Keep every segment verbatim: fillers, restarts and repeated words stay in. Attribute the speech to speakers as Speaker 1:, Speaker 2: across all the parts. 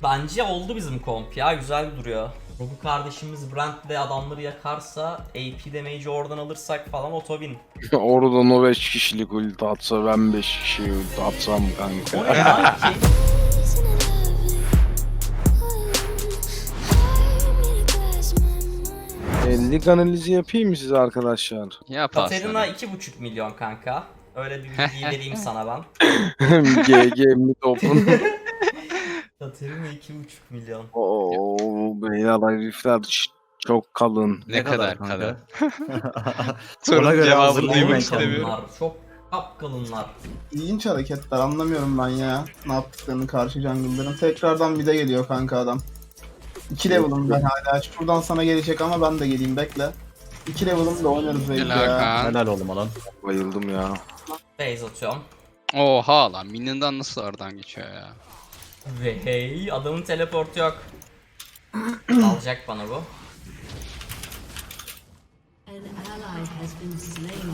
Speaker 1: Bence oldu bizim komp ya, güzel duruyor. Rogu kardeşimiz Brand'le adamları yakarsa, A P damage'i oradan alırsak falan otobin.
Speaker 2: Oradan o beş kişilik ulti atsa ben beş kişi ulti atsam
Speaker 1: O
Speaker 2: kanka.
Speaker 1: ne lan ki?
Speaker 2: elli analizi yapayım mı size arkadaşlar?
Speaker 3: Yap
Speaker 1: Katerina
Speaker 3: aslanım.
Speaker 1: iki buçuk milyon kanka. Öyle bir bilgi vereyim sana ben.
Speaker 2: G G mi topun?
Speaker 1: Katerina iki buçuk milyon.
Speaker 2: Oo beyler herifler ç- çok kalın.
Speaker 3: Ne, kadar kalın.
Speaker 4: Ona
Speaker 3: Sorunun
Speaker 4: göre
Speaker 3: cevabını
Speaker 4: hazırlayayım
Speaker 3: duymak
Speaker 4: ben
Speaker 3: istemiyorum.
Speaker 1: Kalınlar, çok kapkalınlar.
Speaker 5: İlginç hareketler, anlamıyorum ben ya. Ne yaptıklarını karşı jungle'ların. Tekrardan mid'e geliyor kanka adam. iki level'ım ben hala. Şuradan sana gelecek ama ben de geleyim, bekle. iki level'ım da oynarız belki
Speaker 3: Helal
Speaker 5: ya.
Speaker 3: Kaan.
Speaker 4: Helal oğlum lan.
Speaker 2: Bayıldım ya.
Speaker 1: Base atıyorum.
Speaker 3: Oha lan Minion'dan nasıl oradan geçiyor ya?
Speaker 1: Ve hey, adamın teleportu yok. Alacak bana bu.
Speaker 6: An ally has been slain.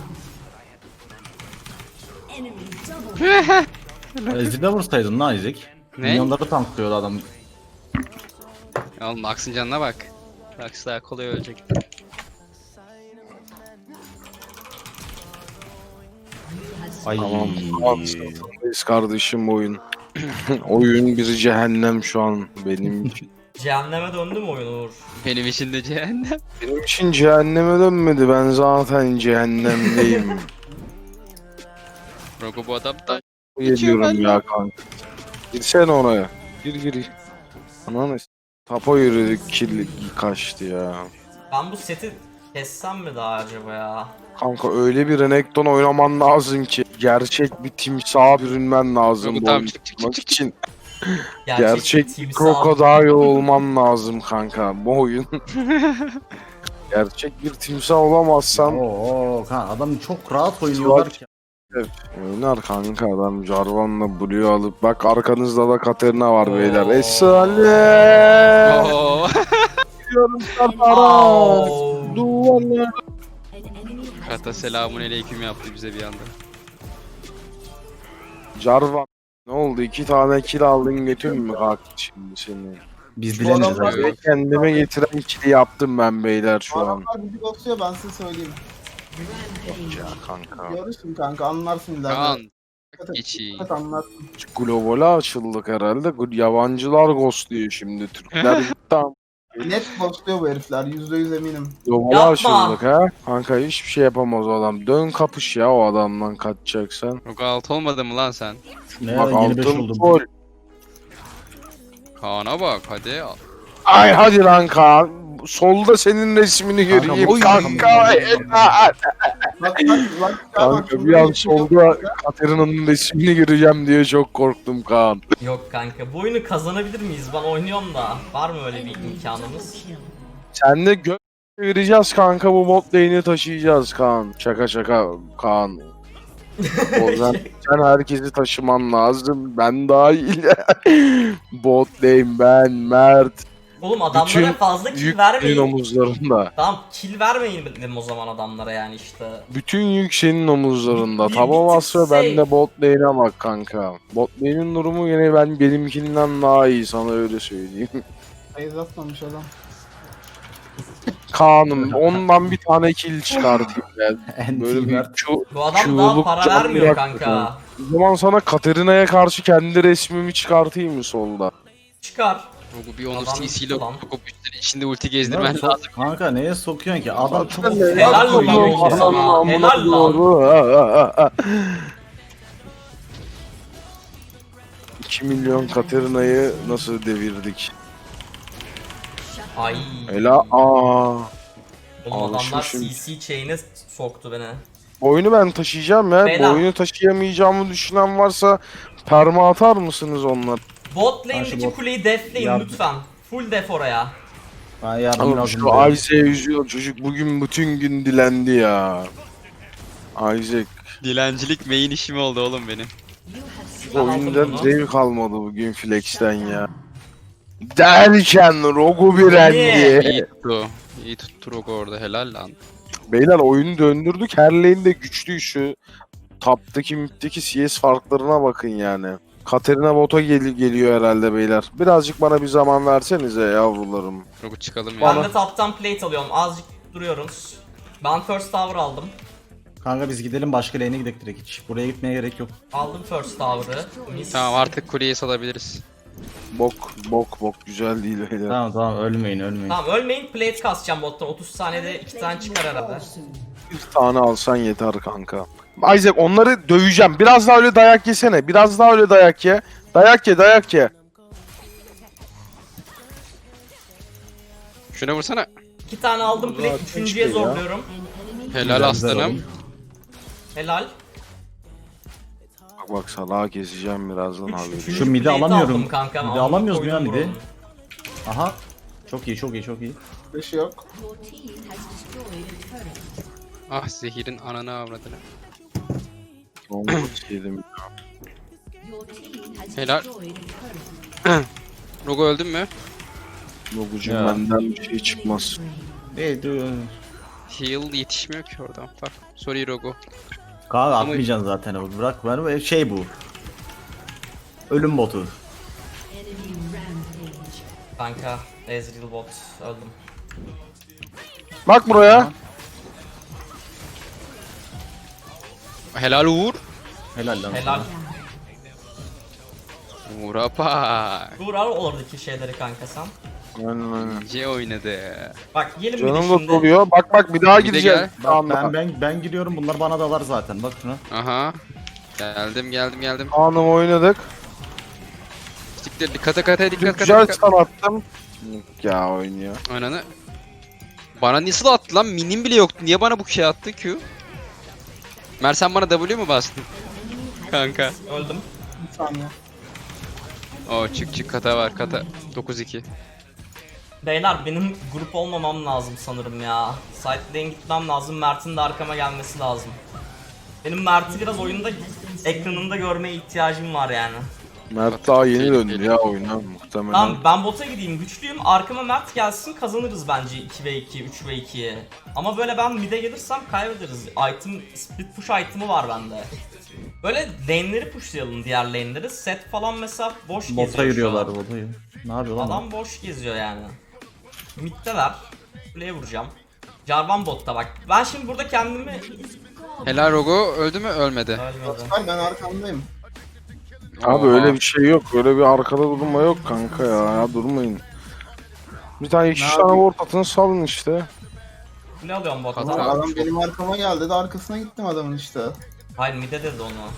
Speaker 6: Enemy double.
Speaker 4: Ezik'e vursaydın lan Ezik.
Speaker 3: Ne?
Speaker 4: Milyonları tanklıyordu adam.
Speaker 3: Oğlum Lux'ın canına bak. Lux daha kolay ölecek.
Speaker 4: Ay.
Speaker 2: Tamam. Biz kardeşim oyun. Oyun bir cehennem şu an benim için.
Speaker 1: Cehenneme döndü mü oyun Uğur?
Speaker 3: Benim için de cehennem.
Speaker 2: Benim için cehenneme dönmedi. Ben zaten cehennemdeyim.
Speaker 3: Rogo bu adam da
Speaker 2: Geliyorum
Speaker 3: ben
Speaker 2: ya kanka. Girsene oraya. Gir gir. Ananı s- Tapa yürüdük, kill kaçtı ya.
Speaker 1: Ben bu seti kessem mi daha acaba ya?
Speaker 2: Kanka öyle bir Renekton oynaman lazım ki gerçek bir timsaha bürünmen lazım
Speaker 3: Yok,
Speaker 2: bu
Speaker 3: tamam,
Speaker 2: oyunu
Speaker 3: çık, çık,
Speaker 2: tutmak
Speaker 3: çık, çık.
Speaker 2: için.
Speaker 1: Gerçek,
Speaker 2: Gerçek bir
Speaker 1: timsah.
Speaker 2: krokodil olman lazım kanka bu oyun. Gerçek bir timsah olamazsan
Speaker 4: Oo kan adam çok rahat oynuyorlar ki.
Speaker 2: oynar kanka adam Jarvan'la Blue alıp bak arkanızda da Katerina var
Speaker 1: Oo.
Speaker 2: beyler. Esale!
Speaker 3: Oo.
Speaker 2: Gidiyorum Katara!
Speaker 1: Au.
Speaker 2: Duvarlar!
Speaker 6: An enemy has
Speaker 3: Kata selamun aleyküm yaptı bize bir anda.
Speaker 2: Jarvan ne oldu? İki tane kill aldın götün mü kalktı şimdi seni?
Speaker 4: Biz
Speaker 5: Bu
Speaker 4: bilemeyeceğiz
Speaker 5: adamlar-
Speaker 4: abi.
Speaker 2: Ve kendime getiren kill'i yaptım ben beyler şu
Speaker 5: Bu
Speaker 2: an.
Speaker 5: adamlar bizi ghostluyor, ben size söyleyeyim.
Speaker 6: rampage.
Speaker 2: Ya kanka.
Speaker 5: Görürsün kanka, anlarsın ileride.
Speaker 3: Kaan.
Speaker 5: Dikkat et,
Speaker 3: Geçeyim.
Speaker 5: dikkat anlarsın.
Speaker 2: Globale açıldık herhalde. Gu- Yabancılar ghostluyor şimdi. Türkler tam
Speaker 5: Net ghostluyor bu herifler, yüzde yüz eminim.
Speaker 2: globale
Speaker 1: Yapma.
Speaker 2: açıldık ha. Kanka hiçbir şey yapamaz o adam. Dön kapış ya o adamdan kaçacaksan.
Speaker 3: Rogo alt olmadı mı lan sen?
Speaker 4: Ne
Speaker 2: Bak
Speaker 4: yeni beş
Speaker 2: altın
Speaker 4: oldum.
Speaker 2: gol.
Speaker 3: Kaan'a bak hadi.
Speaker 2: Ay hadi lan Kaan. Solda senin resmini göreyim
Speaker 4: Oy.
Speaker 2: kanka.
Speaker 5: Bak bak bak.
Speaker 2: Kanka bir an solda Katerina'nın resmini göreceğim diye çok korktum Kaan.
Speaker 1: Yok kanka, bu oyunu kazanabilir miyiz? Ben oynuyorum da. Var mı öyle bir imkanımız?
Speaker 6: Kill.
Speaker 2: Sen de gö vereceğiz kanka bu bot lane'i taşıyacağız Kaan. Şaka şaka Kaan. O yüzden sen herkesi taşıman lazım. Ben dahil. Bot lane ben, Mert.
Speaker 1: Oğlum adamlara
Speaker 2: Bütün
Speaker 1: fazla kill
Speaker 2: Yük senin
Speaker 1: vermeyin.
Speaker 2: omuzlarında.
Speaker 1: Tamam, kill vermeyin dedim o zaman adamlara yani işte.
Speaker 2: Bütün yük senin omuzlarında.
Speaker 1: Bir- bir
Speaker 2: Tamam
Speaker 1: tık
Speaker 2: Asra
Speaker 1: şey-
Speaker 2: ben de bot lane'e bak kanka. Bot lane'in durumu yine ben benimkinden daha iyi sana öyle söyleyeyim.
Speaker 5: Sayız atmamış adam.
Speaker 2: Kaan'ım ondan bir tane kill çıkartayım ben. Böyle bir
Speaker 4: Anti-Mert.
Speaker 2: Q,
Speaker 1: Bu adam daha
Speaker 2: Q'luk
Speaker 1: para
Speaker 2: canlı
Speaker 1: vermiyor
Speaker 2: yaktı
Speaker 1: kanka.
Speaker 2: O zaman sana Katerina'ya karşı kendi resmimi çıkartayım mı solda?
Speaker 1: Çıkar.
Speaker 3: Rogo bir onu
Speaker 1: Adam
Speaker 3: C C'yle
Speaker 1: lan.
Speaker 3: Rogo üstleri içinde ulti
Speaker 4: Lan
Speaker 3: gezdirmen
Speaker 4: sok-
Speaker 3: lazım.
Speaker 4: Kanka neye sokuyorsun ki? Adam çok
Speaker 1: Helal lan
Speaker 2: Allah'ım,
Speaker 1: sana.
Speaker 2: Allah'ım,
Speaker 1: Helal lan.
Speaker 2: Allah'ım. iki milyon Katerina'yı nasıl devirdik?
Speaker 1: Ay.
Speaker 2: Ela aa.
Speaker 1: Oğlum adamlar
Speaker 2: Alışmışım.
Speaker 1: C C chain'e soktu beni.
Speaker 2: Bu oyunu ben taşıyacağım ya.
Speaker 1: Bela.
Speaker 2: Bu oyunu taşıyamayacağımı düşünen varsa perma atar mısınız onlar?
Speaker 1: Bot
Speaker 4: Ben
Speaker 1: lane'deki
Speaker 4: şu bot-
Speaker 1: kuleyi defleyin
Speaker 4: Yardım-
Speaker 1: lütfen. Full def oraya.
Speaker 4: Ben yardım
Speaker 2: Oğlum
Speaker 4: lazım.
Speaker 2: şu Isaac'e üzüyor çocuk bugün bütün gün dilendi ya. Isaac
Speaker 3: Dilencilik main işim oldu oğlum benim.
Speaker 6: You have slain.
Speaker 1: Ben aldım
Speaker 2: oyundan
Speaker 1: bunu.
Speaker 2: zevk almadı bugün flex'ten ya. Derken Rogu bir
Speaker 1: Niye?
Speaker 2: rendi.
Speaker 3: İyi tuttu. İyi tuttu Rogo orada helal lan.
Speaker 2: Beyler oyunu döndürdük. Her lane de güçlü şu. Taptaki middeki C S farklarına bakın yani. Katerina bota gel- geliyor herhalde beyler. Birazcık bana bir zaman versenize yavrularım.
Speaker 3: Rogu çıkalım
Speaker 1: Ben
Speaker 3: ya.
Speaker 1: de top'tan plate alıyorum. Azıcık duruyoruz. Ben first tower aldım.
Speaker 4: Kanka biz gidelim başka lane'e gidelim direkt hiç. Buraya gitmeye gerek yok.
Speaker 1: Aldım first tower'ı. Mis.
Speaker 3: Tamam artık kuleyi salabiliriz.
Speaker 2: Bok bok bok güzel değil beyler.
Speaker 4: Tamam tamam ölmeyin ölmeyin.
Speaker 1: Tamam ölmeyin, plate kasacağım bottan. otuz saniyede iki tane çıkar herhalde.
Speaker 2: Bir tane alsan yeter kanka. Isaac onları döveceğim. Biraz daha öyle dayak yesene. Biraz daha öyle dayak ye. Dayak ye dayak ye.
Speaker 3: Şuna vursana.
Speaker 1: İki tane aldım plate.
Speaker 2: Ulan,
Speaker 1: Üçüncüye
Speaker 2: keşke ya.
Speaker 1: zorluyorum.
Speaker 3: Helal
Speaker 4: Güzel,
Speaker 3: aslanım.
Speaker 4: güzel
Speaker 1: Helal.
Speaker 2: Bak bak salağa keseceğim birazdan abi.
Speaker 1: Üçüncü
Speaker 4: Şu midi
Speaker 1: plate
Speaker 4: alamıyorum.
Speaker 1: aldım kanka.
Speaker 4: Midi
Speaker 1: Amına
Speaker 4: alamıyoruz mu ya
Speaker 1: koydum
Speaker 4: midi?
Speaker 1: bunu.
Speaker 4: Aha. Çok iyi çok iyi çok iyi.
Speaker 5: Beşi yok.
Speaker 6: Your team has destroyed a turret.
Speaker 3: Ah zehirin ananı avradını.
Speaker 2: Onu yedim.
Speaker 6: Your team has
Speaker 3: Helal.
Speaker 6: destroyed a turret.
Speaker 3: Rogu öldün mü?
Speaker 2: Logucum
Speaker 4: Ya.
Speaker 2: benden bir şey çıkmaz.
Speaker 4: Hey dur.
Speaker 3: Heal yetişmiyor ki oradan. Bak. Sorry Rogu.
Speaker 4: Kanka atmayacaksın zaten o. Bırak ben şey bu. Ölüm botu.
Speaker 6: Enemy rampage.
Speaker 1: Kanka Ezreal bot öldüm.
Speaker 2: Bak buraya.
Speaker 3: Helal Uğur.
Speaker 4: Helal lan.
Speaker 1: Helal.
Speaker 4: sana.
Speaker 3: Uğur apa.
Speaker 1: Dur al oradaki şeyleri kanka sen.
Speaker 2: Aynen aynen.
Speaker 3: C oynadı.
Speaker 1: Bak gelin bir de
Speaker 2: Canım da
Speaker 1: şimdi.
Speaker 2: doluyor. Bak bak bir daha
Speaker 3: Bir de
Speaker 2: gideceğiz.
Speaker 3: gel.
Speaker 4: Bak
Speaker 2: Kaan'la.
Speaker 4: ben ben ben giriyorum bunlar bana dalar zaten bak şuna.
Speaker 3: Aha. Geldim geldim geldim.
Speaker 2: Kaan'ım oynadık.
Speaker 3: Siktir dikkat kata dikkat kata
Speaker 2: Güzel
Speaker 3: dikkat.
Speaker 2: stun attım. Ya oynuyor.
Speaker 3: Ananı. Bana nasıl attı lan? Minim bile yoktu. Niye bana bu şey attı Q? Mer sen bana W mu bastın? Kanka.
Speaker 1: Öldüm.
Speaker 5: Bir saniye.
Speaker 3: Oo çık çık kata var kata. dokuz iki.
Speaker 1: Beyler benim grup olmamam lazım sanırım ya. Side lane gitmem lazım. Mert'in de arkama gelmesi lazım. Benim Mert'i biraz oyunda ekranında görmeye ihtiyacım var yani.
Speaker 2: Mert daha yeni döndü ya oyuna muhtemelen.
Speaker 1: Tamam ben bota gideyim, güçlüyüm. Arkama Mert gelsin, kazanırız bence iki ve iki, üç ve ikiye. Ama böyle ben mid'e gelirsem kaybederiz. Item, split push item'ı var bende. Böyle lane'leri pushlayalım, diğer lane'leri. Set falan mesela boş geziyor
Speaker 4: Bota
Speaker 1: şu
Speaker 4: yürüyorlar
Speaker 1: an.
Speaker 4: bota. Ne yapıyor lan?
Speaker 1: Adam boş geziyor yani. Mid'deler. Kuleye vuracağım. Jarvan botta bak. Ben şimdi burada kendimi...
Speaker 3: Helal Rogu öldü mü? Ölmedi.
Speaker 1: Ölmedi.
Speaker 5: Ay ben arkamdayım.
Speaker 2: Abi
Speaker 3: Oha.
Speaker 2: öyle bir şey yok. Öyle bir arkada durma yok kanka ya. Ya durmayın. Bir tane iki
Speaker 5: Ne
Speaker 2: tane
Speaker 5: yapayım?
Speaker 2: ward atın salın işte.
Speaker 1: Ne alıyorum
Speaker 3: Hata.
Speaker 1: botta?
Speaker 5: Adam, adam benim arkama geldi de arkasına gittim adamın işte.
Speaker 1: Hayır mid'e dedi onu.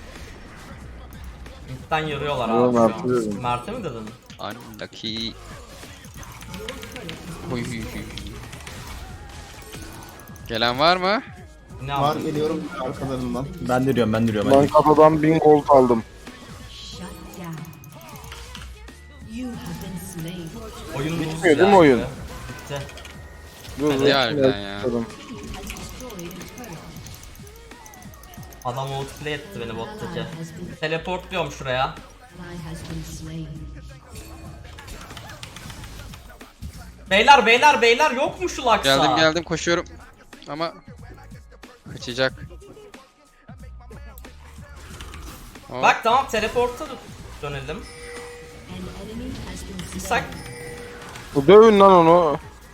Speaker 1: Mid'den yarıyorlar
Speaker 2: Yo,
Speaker 1: abi şu
Speaker 2: Mert'e
Speaker 1: an.
Speaker 2: dedim.
Speaker 1: Mert'e mi dedin?
Speaker 3: Unlucky. Oy, oy, oy. Gelen var mı?
Speaker 1: Ne
Speaker 5: Var
Speaker 1: yapayım?
Speaker 5: geliyorum arkalarından.
Speaker 4: Ben de diyorum ben de diyorum.
Speaker 2: Ben
Speaker 4: Ben
Speaker 2: kafadan bin gold aldım.
Speaker 6: Shut down. You have been slain.
Speaker 1: Oyun
Speaker 2: Bitmiyor
Speaker 1: lose
Speaker 2: değil mi
Speaker 1: yani.
Speaker 2: oyun?
Speaker 1: Bitti.
Speaker 2: Dur,
Speaker 3: Hadi
Speaker 2: dur,
Speaker 3: harbiden ya.
Speaker 2: bakalım.
Speaker 6: Has destroyed a turret.
Speaker 1: Adam outplay etti beni bottaki.
Speaker 6: Ally has been,
Speaker 1: Teleportluyorum şuraya.
Speaker 6: ally has been slain.
Speaker 1: Beyler beyler beyler yok mu şu Lux'a?
Speaker 3: Geldim geldim koşuyorum. Ama kaçacak. Hop.
Speaker 1: Bak tamam teleporta dönelim.
Speaker 6: An enemy has been slain.
Speaker 1: İshak
Speaker 2: Bu dövün lan onu.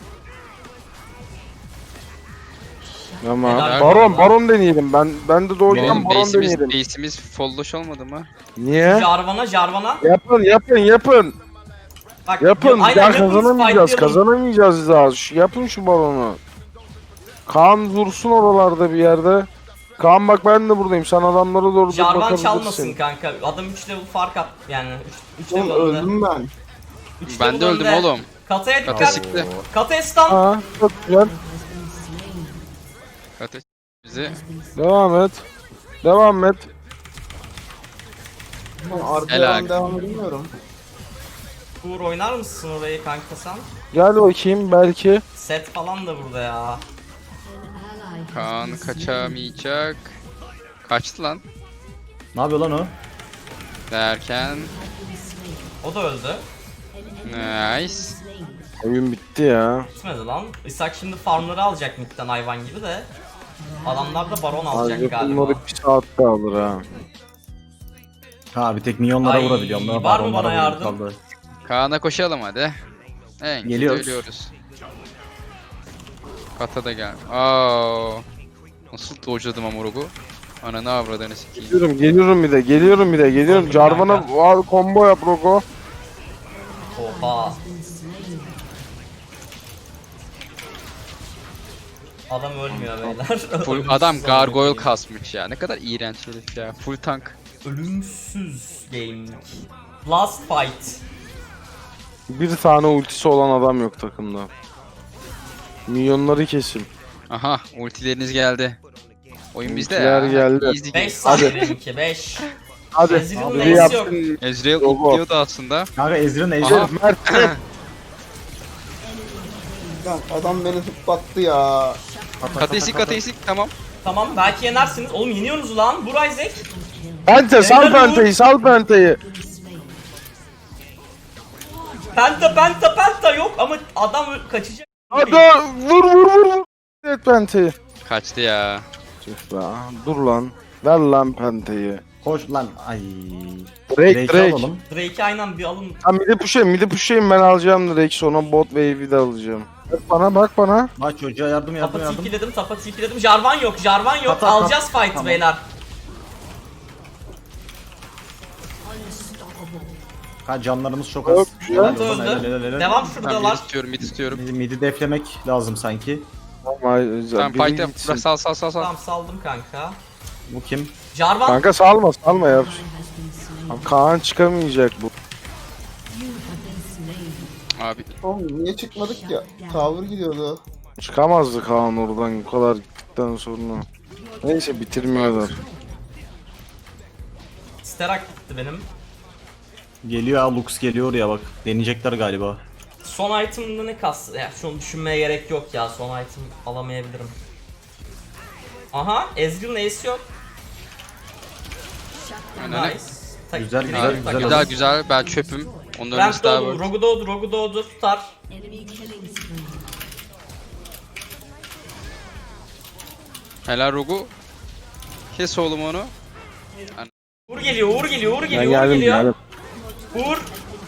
Speaker 2: Tamam.
Speaker 1: Helal
Speaker 2: Baron,
Speaker 1: olsun.
Speaker 2: baron deneyelim. Ben ben de doğuştan
Speaker 3: Oğlum
Speaker 2: baron
Speaker 3: base'imiz,
Speaker 2: deneyelim.
Speaker 3: base'imiz folloş olmadı mı?
Speaker 2: Niye?
Speaker 1: Jarvan'a Jarvan'a.
Speaker 2: Yapın yapın yapın.
Speaker 1: Bak,
Speaker 2: Yapın.
Speaker 1: aynen,
Speaker 2: Ya
Speaker 1: yapın,
Speaker 2: kazanamayacağız.
Speaker 1: fightlayalım.
Speaker 2: Kazanamayacağız daha. Şu- Yapın şu balonu. Kaan dursun oralarda bir yerde. Kaan bak ben de buradayım. Sen adamlara doğru dur
Speaker 1: Jarvan
Speaker 2: bakabilirsin.
Speaker 1: çalmasın kanka. Adam üç level fark at yani. üç
Speaker 5: Oğlum
Speaker 1: level önde.
Speaker 5: öldüm ben.
Speaker 1: üç
Speaker 3: Ben de
Speaker 1: level
Speaker 3: öldüm
Speaker 1: önde.
Speaker 3: oğlum.
Speaker 1: Kataya
Speaker 3: Kata
Speaker 1: dikkat.
Speaker 3: sikti.
Speaker 1: Kataya stun.
Speaker 2: Ha, çok güzel.
Speaker 6: Has been slain.
Speaker 3: Kata bizi.
Speaker 2: Devam et. Devam et.
Speaker 5: Arkaya
Speaker 3: Helal.
Speaker 5: ben devam edemiyorum.
Speaker 1: Uğur oynar mısın orayı kanka sen?
Speaker 2: Gel bakayım belki.
Speaker 1: Set falan da burada ya.
Speaker 6: An ally has
Speaker 3: Kaan
Speaker 6: been slain.
Speaker 3: kaçamayacak. Kaçtı lan.
Speaker 4: Ne yapıyor lan o?
Speaker 3: Derken.
Speaker 6: Has been slain.
Speaker 1: O da öldü.
Speaker 6: An enemy has been
Speaker 3: Nice.
Speaker 6: slain.
Speaker 2: Oyun bitti ya.
Speaker 1: Gitmedi lan. İshak şimdi farmları alacak midden hayvan gibi de. Adamlar da baron alacak
Speaker 2: Ayrıca
Speaker 1: galiba.
Speaker 2: bunları bir saatte alır ha.
Speaker 4: Ha bir tek minyonlara
Speaker 1: Ay,
Speaker 4: vurabiliyorum. Lan,
Speaker 1: var mı
Speaker 4: baronlara
Speaker 1: bana
Speaker 4: vurayım
Speaker 1: yardım?
Speaker 4: kaldı.
Speaker 3: Kaan'a koşalım hadi. En kötü
Speaker 4: Geliyoruz.
Speaker 3: ölüyoruz. Kata da gel. Aa. Nasıl dojladım Amorog'u? Ananı avradını sikeyim.
Speaker 2: Geliyorum, geliyorum bir de, geliyorum bir de, geliyorum.
Speaker 1: Aldım
Speaker 2: Jarvan'a
Speaker 1: kanka.
Speaker 2: al, combo yap Rogo.
Speaker 1: Oha. Adam ölmüyor beyler.
Speaker 3: Full adam gargoyle kasmış ya. Ne kadar iğrenç herif ya. Full tank.
Speaker 1: Ölümsüz gaming. Last fight.
Speaker 2: Bir tane ultisi olan adam yok takımda. Milyonları kesin.
Speaker 3: Aha ultileriniz geldi. Oyun bizde
Speaker 2: Ultiler
Speaker 3: ya.
Speaker 2: geldi.
Speaker 3: Easy game.
Speaker 1: beş saniye benimki beş.
Speaker 2: Hadi.
Speaker 1: Ezreal'ın
Speaker 2: Biri
Speaker 1: neyse yok.
Speaker 2: yapsın.
Speaker 3: Ezreal
Speaker 2: Rogo.
Speaker 3: ultliyordu aslında.
Speaker 4: Kanka Ezreal'ın
Speaker 3: Aha.
Speaker 4: ejderi.
Speaker 2: Mert.
Speaker 5: Lan adam beni zıplattı ya.
Speaker 3: Kateisik kateisik tamam.
Speaker 1: Tamam belki yenersiniz. Oğlum yeniyorsunuz lan. Buray Zek.
Speaker 2: Pente, sal
Speaker 1: Helal
Speaker 2: Pente'yi, sal Pente'yi.
Speaker 1: Penta penta penta yok ama adam ö- kaçacak.
Speaker 2: Hadi vur vur vur vur. Evet Pente'yi.
Speaker 3: Kaçtı ya.
Speaker 2: Tüh be, dur lan. Ver lan Pente'yi.
Speaker 4: Koş lan. Ay.
Speaker 2: Drake,
Speaker 4: Drake'i
Speaker 2: Drake.
Speaker 4: alalım.
Speaker 1: Drake'i aynen bir alın.
Speaker 2: Ha midi push'ayım, midi push'ayım ben alacağım Drake, sonra bot wave'i de alacağım. Bak bana, bak bana.
Speaker 4: Bak çocuğa yardım yardım
Speaker 1: Tapa
Speaker 4: yardım.
Speaker 1: tipiledim, tapa tipiledim. Jarvan yok, Jarvan yok.
Speaker 4: Tapa, tapa.
Speaker 1: Alacağız fight
Speaker 4: Tamam.
Speaker 1: beyler.
Speaker 4: Ha canlarımız çok az.
Speaker 2: Çok güzel.
Speaker 1: Evet,
Speaker 4: Helal, helal,
Speaker 1: öldü.
Speaker 4: helal, helal.
Speaker 1: Devam
Speaker 3: Ben mid
Speaker 1: şuradalar.
Speaker 3: istiyorum mid istiyorum.
Speaker 4: Midi, midi deflemek lazım sanki.
Speaker 2: Tamam,
Speaker 3: Tamam
Speaker 2: biri
Speaker 3: fight'e
Speaker 2: gitsin.
Speaker 3: bırak sal sal sal sal.
Speaker 1: Tamam saldım kanka.
Speaker 4: Bu kim?
Speaker 1: Jarvan
Speaker 2: Kanka salma, salma yap. Abi Kaan çıkamayacak bu.
Speaker 3: Abi
Speaker 5: Oğlum niye çıkmadık ya? Tower gidiyordu.
Speaker 2: Çıkamazdı Kaan oradan bu kadar gittikten sonra. Neyse bitirmiyorlar.
Speaker 1: Sterak gitti benim.
Speaker 4: Geliyor ha, Lux geliyor ya bak. Deneyecekler galiba.
Speaker 1: Son item'da ne kas? Ya şunu düşünmeye gerek yok ya. Son item alamayabilirim. Aha, Ezreal'ın ace yok.
Speaker 3: Aynen.
Speaker 1: Nice. Tak-
Speaker 4: Güzel,
Speaker 1: direkt
Speaker 4: güzel,
Speaker 1: takalım.
Speaker 3: güzel güzel ben çöpüm. Onların
Speaker 1: Brent
Speaker 3: ölmesi daha
Speaker 1: doğdu,
Speaker 3: böyle.
Speaker 1: Rogu doğdu, Rogu doğdu, tutar.
Speaker 6: Enemy killing spree.
Speaker 3: Helal Rogu. Kes oğlum onu.
Speaker 1: Uğur geliyor, Uğur geliyor, Uğur
Speaker 2: Ben
Speaker 1: geliyor, Uğur
Speaker 2: geldim
Speaker 1: geliyor.
Speaker 2: geldim.
Speaker 1: Uğur.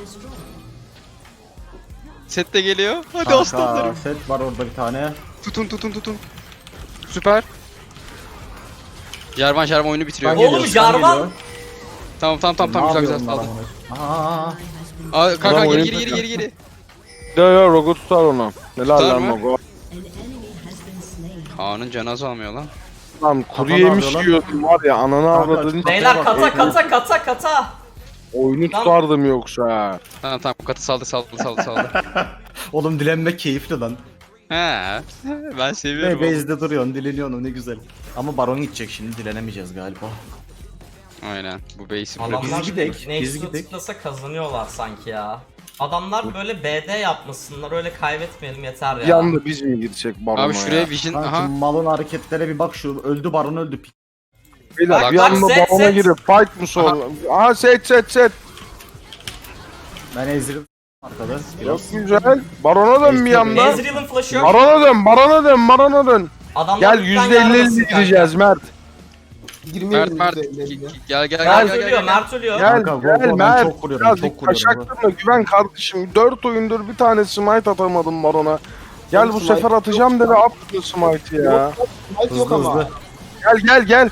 Speaker 3: Set de geliyor. Hadi
Speaker 4: Kanka,
Speaker 3: aslanlarım.
Speaker 4: set var orada bir tane.
Speaker 3: Tutun tutun tutun. Süper. Jarvan Jarvan oyunu bitiriyor.
Speaker 4: Ben
Speaker 1: Oğlum,
Speaker 4: geliyor, sen
Speaker 1: Jarvan!
Speaker 4: geliyor.
Speaker 3: Tamam tamam tamam tamam
Speaker 4: Ne
Speaker 3: güzel güzel
Speaker 4: yapıyorum
Speaker 3: aldım.
Speaker 4: ben amına? Aa,
Speaker 3: Aa, kanka
Speaker 2: Adam
Speaker 3: geri
Speaker 2: oyun
Speaker 3: geri geri geri geri.
Speaker 2: Ya ya Rogo tutar onu. Helal
Speaker 3: Tutar
Speaker 2: lan
Speaker 3: mı?
Speaker 2: Rogo.
Speaker 6: An enemy has been slain.
Speaker 3: Kaan'ın canı azalmıyor lan.
Speaker 2: Lan kuru
Speaker 4: Kafanı
Speaker 2: yemiş
Speaker 4: alıyor lan.
Speaker 2: yiyordum var ya, ananı
Speaker 4: Kanka,
Speaker 2: avradın.
Speaker 1: Beyler
Speaker 4: bak,
Speaker 1: kata
Speaker 2: e,
Speaker 1: kata kata kata.
Speaker 2: Oyunu
Speaker 1: Lan-
Speaker 2: tutardım yoksa.
Speaker 3: Tamam tamam katı saldı saldı saldı saldı.
Speaker 4: Oğlum dilenmek keyifli lan.
Speaker 3: He. Ben seviyorum.
Speaker 4: Ve
Speaker 3: oğlum.
Speaker 4: base'de duruyorsun, dileniyorsun ne güzel. Ama baron gidecek şimdi, dilenemeyeceğiz galiba.
Speaker 3: Aynen. Bu base'i
Speaker 1: Adamlar
Speaker 3: bırakın.
Speaker 4: gidek, biz
Speaker 1: Nexus'a
Speaker 4: gidek.
Speaker 1: tıklasa kazanıyorlar sanki ya. Adamlar böyle B D yapmasınlar, öyle kaybetmeyelim yeter ya.
Speaker 2: Bir anda biz mi girsek barona
Speaker 3: Abi şuraya
Speaker 2: ya?
Speaker 3: Vision
Speaker 4: Kanka
Speaker 3: aha.
Speaker 4: malın hareketlere bir bak, şu öldü baron öldü.
Speaker 2: Beyler
Speaker 3: Bak,
Speaker 2: bir
Speaker 1: bak,
Speaker 2: anda
Speaker 1: set,
Speaker 2: barona
Speaker 1: set.
Speaker 2: girip fight mı sonra? Aha set set set.
Speaker 4: Ben Ezreal arkada.
Speaker 2: Çok
Speaker 4: Biraz.
Speaker 2: güzel. Barona dön bir anda.
Speaker 1: Ezreal'ın flash'ı yok.
Speaker 2: Barona dön, barona dön, barona dön.
Speaker 1: Adamlar
Speaker 2: Gel
Speaker 1: lütfen
Speaker 2: yüzde elli
Speaker 1: yarmasın
Speaker 2: elli gireceğiz Mert.
Speaker 3: Mert
Speaker 5: Girmeyelim
Speaker 3: Mert
Speaker 5: bize
Speaker 3: gel
Speaker 5: ellerine.
Speaker 3: gel gel
Speaker 1: Mert
Speaker 3: gel
Speaker 1: ölüyor,
Speaker 3: gel.
Speaker 1: Mert ölüyor.
Speaker 2: Gel
Speaker 4: Kanka,
Speaker 2: gel
Speaker 4: Volvo, ben
Speaker 2: Mert.
Speaker 4: çok vuruyorum,
Speaker 2: Birazcık
Speaker 4: çok vuruyorum.
Speaker 2: taşaklarına güven kardeşim. Dört oyundur bir tane smite atamadım barona. Gel
Speaker 5: Oğlum,
Speaker 2: bu
Speaker 5: smite
Speaker 2: sefer atacağım dedi, attı smite'ı ya.
Speaker 5: Yok, Smite yok
Speaker 4: Hızlı
Speaker 5: ama.
Speaker 4: hızlı.
Speaker 2: Gel gel gel.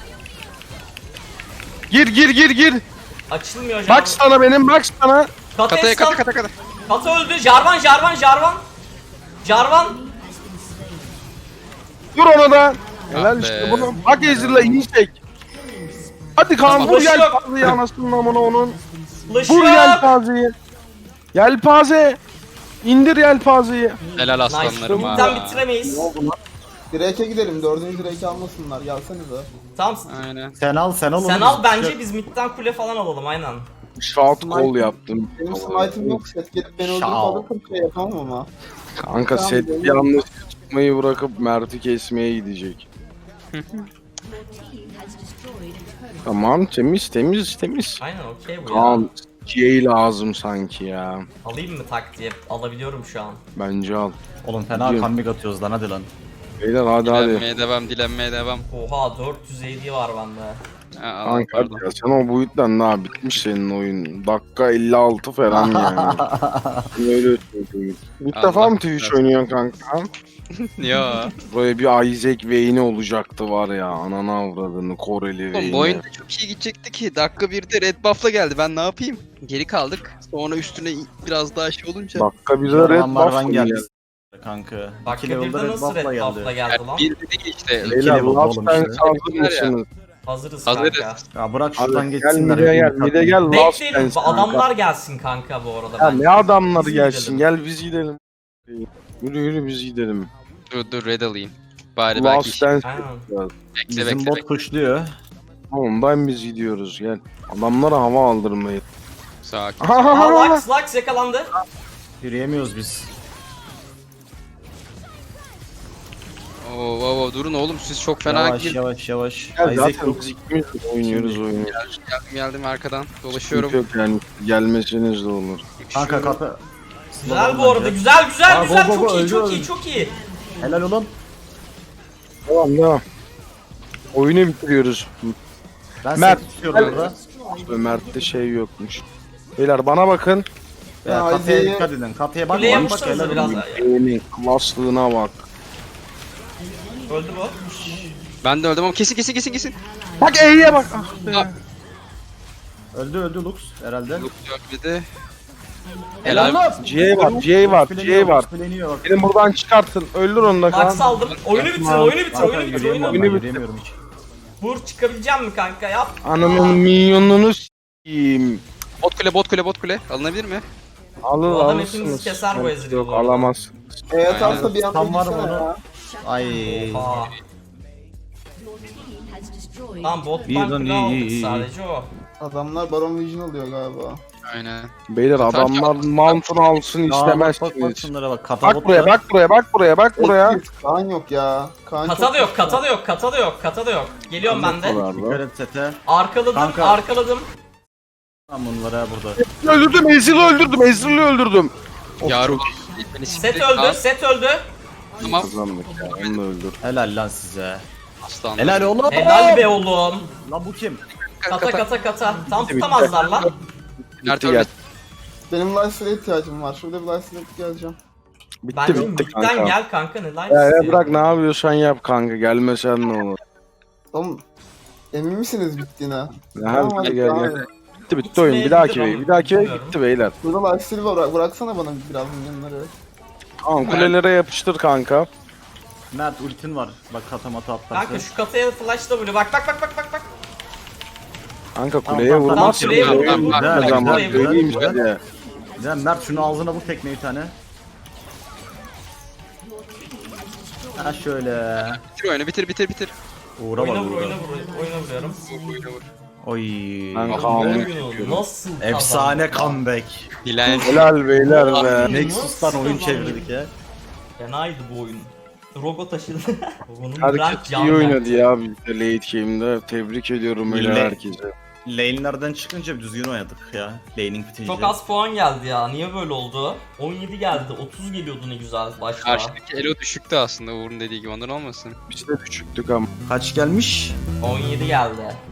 Speaker 2: Gir gir gir gir.
Speaker 1: Açılmıyor Jarvan.
Speaker 2: Bak sana benim, bak sana.
Speaker 1: Kata
Speaker 3: Kataya
Speaker 1: eskan.
Speaker 3: kata kata kata.
Speaker 1: Kata öldü. Jarvan, Jarvan, Jarvan. Jarvan.
Speaker 2: Vur ona da.
Speaker 3: Ah
Speaker 2: Helal
Speaker 3: be.
Speaker 2: işte bunu. Bak Ezreal'a inecek. Hadi Kaan
Speaker 3: Tamam.
Speaker 2: vur
Speaker 1: Flash yok.
Speaker 2: yelpazeyi anasının amına onun.
Speaker 1: Flash
Speaker 2: Vur
Speaker 1: yok.
Speaker 2: yelpazeyi. Yelpaze. İndir yelpazeyi.
Speaker 3: Helal
Speaker 1: Nice.
Speaker 3: aslanlarım ha.
Speaker 1: Midden bitiremeyiz.
Speaker 5: Drake'e gidelim. Dördüncü Drake'i almasınlar. Gelsenize.
Speaker 1: Tamam.
Speaker 3: Aynen.
Speaker 4: Sen al sen al onu.
Speaker 1: Sen al
Speaker 4: biz-
Speaker 1: bence biz midden kule falan alalım aynen.
Speaker 2: Shot call yaptım.
Speaker 5: Benim smite'im yok. Set gelip beni öldürüp
Speaker 4: Şao.
Speaker 5: alırsam şey yapamam ama.
Speaker 2: Kanka set bir anda tutmayı bırakıp Mert'i kesmeye gidecek.
Speaker 6: Your team has destroyed a turret.
Speaker 2: Tamam temiz temiz temiz.
Speaker 1: Aynen okey bu ya.
Speaker 2: Kaan G lazım sanki ya.
Speaker 1: Alayım mı tak diye alabiliyorum şu an.
Speaker 2: Bence al.
Speaker 4: Oğlum fena
Speaker 2: Gidiyorum.
Speaker 4: comeback atıyoruz lan, hadi lan.
Speaker 2: Beyler hadi hadi.
Speaker 3: Dilenmeye devam dilenmeye devam.
Speaker 1: Oha dört yüz A D var bende.
Speaker 3: Ha, Allah,
Speaker 2: Kanka
Speaker 3: pardon.
Speaker 2: ya sen o boyuttan daha bitmiş senin oyun. Dakika elli altı falan yani. Öyle söyleyeyim. İlk
Speaker 3: Allah
Speaker 2: defa mı Twitch oynuyorsun kanka?
Speaker 3: Ya.
Speaker 2: Böyle bir Isaac Vayne'i olacaktı var ya. Ananı avradını Koreli
Speaker 3: Oğlum
Speaker 2: Vayne'i.
Speaker 3: bu oyunda çok iyi gidecekti ki. Dakika birde red buff'la geldi. Ben ne yapayım? Geri kaldık. Sonra üstüne biraz daha şey olunca.
Speaker 2: Dakika bir de Red
Speaker 4: Red Marvan
Speaker 2: Buff
Speaker 4: geldi.
Speaker 2: geldi.
Speaker 4: Kanka.
Speaker 1: Bak
Speaker 4: İki level'da
Speaker 1: birde
Speaker 4: Red
Speaker 1: nasıl
Speaker 4: Buff'la
Speaker 1: red buff'la
Speaker 4: geldi.
Speaker 1: geldi lan?
Speaker 3: Bir de değil işte.
Speaker 4: İki
Speaker 2: Beyler
Speaker 4: level
Speaker 2: Last
Speaker 4: oğlum
Speaker 2: Dance
Speaker 4: işte.
Speaker 2: hazır
Speaker 3: Var ya.
Speaker 2: mısınız?
Speaker 1: Hazırız
Speaker 3: Hazırız.
Speaker 1: kanka.
Speaker 4: Ya bırak şuradan
Speaker 2: Hadi gel
Speaker 4: geçsinler.
Speaker 2: mide gel
Speaker 4: hepimiz
Speaker 2: mide gel Last
Speaker 1: Bekleyelim.
Speaker 2: Dance kanka.
Speaker 1: Adamlar gelsin kanka bu arada.
Speaker 2: Ya
Speaker 1: bence.
Speaker 2: ne adamları
Speaker 1: Biz
Speaker 2: gelsin
Speaker 1: gidelim.
Speaker 2: gel biz gidelim. Yürü yürü biz gidelim.
Speaker 3: Dur dur red alayım. Bari belki
Speaker 2: Last
Speaker 3: işe-
Speaker 2: Dance
Speaker 1: Aynen.
Speaker 2: yapacağız.
Speaker 3: bekle
Speaker 4: Bizim
Speaker 3: bekle.
Speaker 4: bot
Speaker 3: bekle.
Speaker 4: pushluyor.
Speaker 2: Ondan biz gidiyoruz gel. Adamlara hava aldırmayın.
Speaker 3: Sakin.
Speaker 1: Aa, Lux, Lux yakalandı.
Speaker 4: Yürüyemiyoruz biz.
Speaker 3: Oo, oo, oo, durun oğlum siz çok fena
Speaker 4: Yavaş
Speaker 3: gir-
Speaker 4: yavaş yavaş.
Speaker 2: Gel
Speaker 4: Isaac
Speaker 2: zaten
Speaker 4: yok.
Speaker 2: biz ikimiz de oynuyoruz oyunu.
Speaker 3: Geldim geldim arkadan.
Speaker 2: Sıkıntı
Speaker 3: Dolaşıyorum.
Speaker 2: yok yani gelmeseniz de olur.
Speaker 4: Kanka kapı.
Speaker 1: Güzel bu arada. Güzel güzel
Speaker 4: Aa,
Speaker 1: güzel.
Speaker 4: go, go,
Speaker 1: Çok
Speaker 4: go,
Speaker 1: iyi
Speaker 4: öldü,
Speaker 1: çok
Speaker 4: öldü.
Speaker 1: iyi çok iyi.
Speaker 4: Helal oğlum.
Speaker 2: Tamam devam. Oyunu bitiriyoruz.
Speaker 4: Ben
Speaker 2: Mert,
Speaker 4: seni tutuyorum
Speaker 2: gel.
Speaker 4: burada.
Speaker 2: Ömer'de şey yokmuş. Beyler bana bakın.
Speaker 4: Ya,
Speaker 5: Ya,
Speaker 4: kafeye
Speaker 5: Isaac'i-
Speaker 4: dikkat edin. Kafeye bak
Speaker 1: Kuleye
Speaker 4: bak bak
Speaker 1: yapıştırırız
Speaker 4: helal
Speaker 1: biraz.
Speaker 4: olsun.
Speaker 2: Eğimin klaslığına bak.
Speaker 1: Öldü bu.
Speaker 3: Ben de öldüm ama kesin kesin kesin kesin.
Speaker 2: Bak E'ye bak. Ah be.
Speaker 3: Ah.
Speaker 4: Öldü öldü Lux herhalde.
Speaker 3: Yok yok bir de.
Speaker 4: Helal
Speaker 3: Helal.
Speaker 4: olsun.
Speaker 2: J var, J var, J var.
Speaker 4: Fileniyor bak.
Speaker 2: Benim buradan çıkartın. Öldür onu da
Speaker 1: Max
Speaker 2: kan.
Speaker 1: aldım. Oyunu bitir, oyunu bitir,
Speaker 4: Kanka
Speaker 1: oyunu bitir, oyunu
Speaker 4: yürüyemiyorum
Speaker 1: bitir.
Speaker 4: ben
Speaker 2: Oyunu bitir.
Speaker 4: yürüyemiyorum hiç.
Speaker 1: Vur çıkabileceğim mi kanka yap.
Speaker 2: Ananın minyonunu s**eyim.
Speaker 3: Bot kule bot kule bot kule. Alınabilir mi?
Speaker 2: Alır
Speaker 1: Bu adam
Speaker 2: alırsınız.
Speaker 1: hepimizi keser bu Ezreal'ı
Speaker 2: Yok
Speaker 1: bu arada.
Speaker 2: alamazsınız.
Speaker 5: E atarsa bir anda
Speaker 4: Tam var
Speaker 5: gitsene
Speaker 4: mı
Speaker 5: ya.
Speaker 4: Ay.
Speaker 1: Aa.
Speaker 6: Your team has destroyed.
Speaker 1: Tamam
Speaker 4: İyi
Speaker 1: bottan
Speaker 4: lan,
Speaker 1: kule
Speaker 4: iyi,
Speaker 1: aldık
Speaker 4: iyi, iyi.
Speaker 1: sadece o.
Speaker 5: Adamlar Baron Vision alıyor galiba.
Speaker 3: Aynen.
Speaker 2: Beyler adamlar mount'unu alsın
Speaker 4: Ya bak bak bak
Speaker 2: istemezsiniz.
Speaker 4: şunlara bak. Kafa
Speaker 2: Bak
Speaker 4: bot
Speaker 2: buraya
Speaker 4: da-
Speaker 2: bak buraya bak buraya bak buraya.
Speaker 5: Exit, Kaan yok ya. Kaan
Speaker 1: Kata
Speaker 5: çok
Speaker 1: da yok,
Speaker 5: güçlü.
Speaker 1: kata da yok, kata da yok, kata da yok. Geliyorum ben de.
Speaker 4: Dikkat et sete.
Speaker 1: Arkaladım,
Speaker 4: Kanka.
Speaker 1: arkaladım.
Speaker 4: Tam bunlara burada.
Speaker 2: Öldürdüm Ezreal'ı öldürdüm Ezreal'ı öldürdüm.
Speaker 3: Yavrum. Beni
Speaker 1: Set
Speaker 3: siktir-
Speaker 1: öldü,
Speaker 3: Aa,
Speaker 1: set öldü.
Speaker 3: Tamam.
Speaker 2: Kazandık ya onu da öldür.
Speaker 4: Helal lan size.
Speaker 3: Aslan.
Speaker 4: Helal oğlum.
Speaker 1: Helal be oğlum.
Speaker 4: Lan bu kim?
Speaker 1: Kata kata kata. Tam tutamazlar lan.
Speaker 3: Nerede
Speaker 2: Bitti,
Speaker 3: öldü?
Speaker 5: Benim lifesteal'e ihtiyacım var. Şurada bir lifesteal'e geleceğim.
Speaker 2: bitti
Speaker 1: Bence
Speaker 2: bitti
Speaker 1: midden
Speaker 2: kanka.
Speaker 1: gel kanka ne lan
Speaker 2: Ya, ya
Speaker 1: istiyor?
Speaker 2: bırak ne yapıyorsan yap kanka gelmesen ne olur.
Speaker 5: Oğlum emin misiniz bittiğine?
Speaker 2: Ya,
Speaker 5: Tamam,
Speaker 2: hadi
Speaker 5: hadi
Speaker 2: gel
Speaker 5: devam
Speaker 2: gel.
Speaker 5: edelim.
Speaker 2: Bitti bitti oyun bir dahaki
Speaker 1: Gitmeyebilir
Speaker 2: bey bir dahaki bey
Speaker 1: bilmiyorum.
Speaker 2: bitti beyler.
Speaker 5: Burada lifesteal'i var. Bırak- Bıraksana bana biraz milyonları.
Speaker 2: Tamam kulelere yapıştır kanka.
Speaker 4: Mert ultin var. Bak katamata atlarsın.
Speaker 1: Kanka şu kataya flash da vuruyor. Bak bak bak bak bak bak.
Speaker 2: Kanka
Speaker 4: Tamam,
Speaker 2: kuleye
Speaker 4: tamam,
Speaker 2: vurmazsın.
Speaker 1: kuleye
Speaker 2: Kuleye
Speaker 1: vur.
Speaker 2: vurmaz
Speaker 4: Güzel,
Speaker 2: zaman
Speaker 1: güzel,
Speaker 2: söyleyeyim
Speaker 4: güzel.
Speaker 2: size.
Speaker 4: Güzel Mert şunu ağzına vur tekmeyi bir tane. Ha şöyle.
Speaker 3: Bitir oyunu bitir bitir bitir.
Speaker 4: Uğra
Speaker 1: Oyuna
Speaker 4: bak
Speaker 1: vur,
Speaker 4: uğra.
Speaker 1: oyuna vur, oyuna vuruyorum.
Speaker 3: Oyunu vur.
Speaker 4: Oy.
Speaker 2: Ben
Speaker 1: Abi
Speaker 2: Kaan'ı
Speaker 1: bu
Speaker 2: tutuyorum.
Speaker 1: oyunu nasıl
Speaker 4: Efsane
Speaker 1: kazandık?
Speaker 4: comeback.
Speaker 3: Dilen.
Speaker 2: Helal beyler be.
Speaker 4: Nexus'tan
Speaker 1: Nasıl
Speaker 4: oyun
Speaker 1: kazandık?
Speaker 4: çevirdik ya.
Speaker 1: Fenaydı bu oyun. Rogo taşıdı. Rogo'nun
Speaker 2: Herkes
Speaker 1: rank
Speaker 2: iyi oynadı ya bizde late game'de. Tebrik ediyorum öyle
Speaker 4: Millet.
Speaker 2: herkese.
Speaker 4: Lane'lerden çıkınca düzgün oynadık ya. Laning bitince.
Speaker 1: Çok az puan geldi ya. Niye böyle oldu? on yedi geldi. otuz geliyordu ne güzel başta.
Speaker 3: Karşıdaki elo düşüktü aslında Uğur'un dediği gibi ondan olmasın.
Speaker 2: Biz de düşüktük ama.
Speaker 4: Kaç gelmiş?
Speaker 1: on yedi geldi.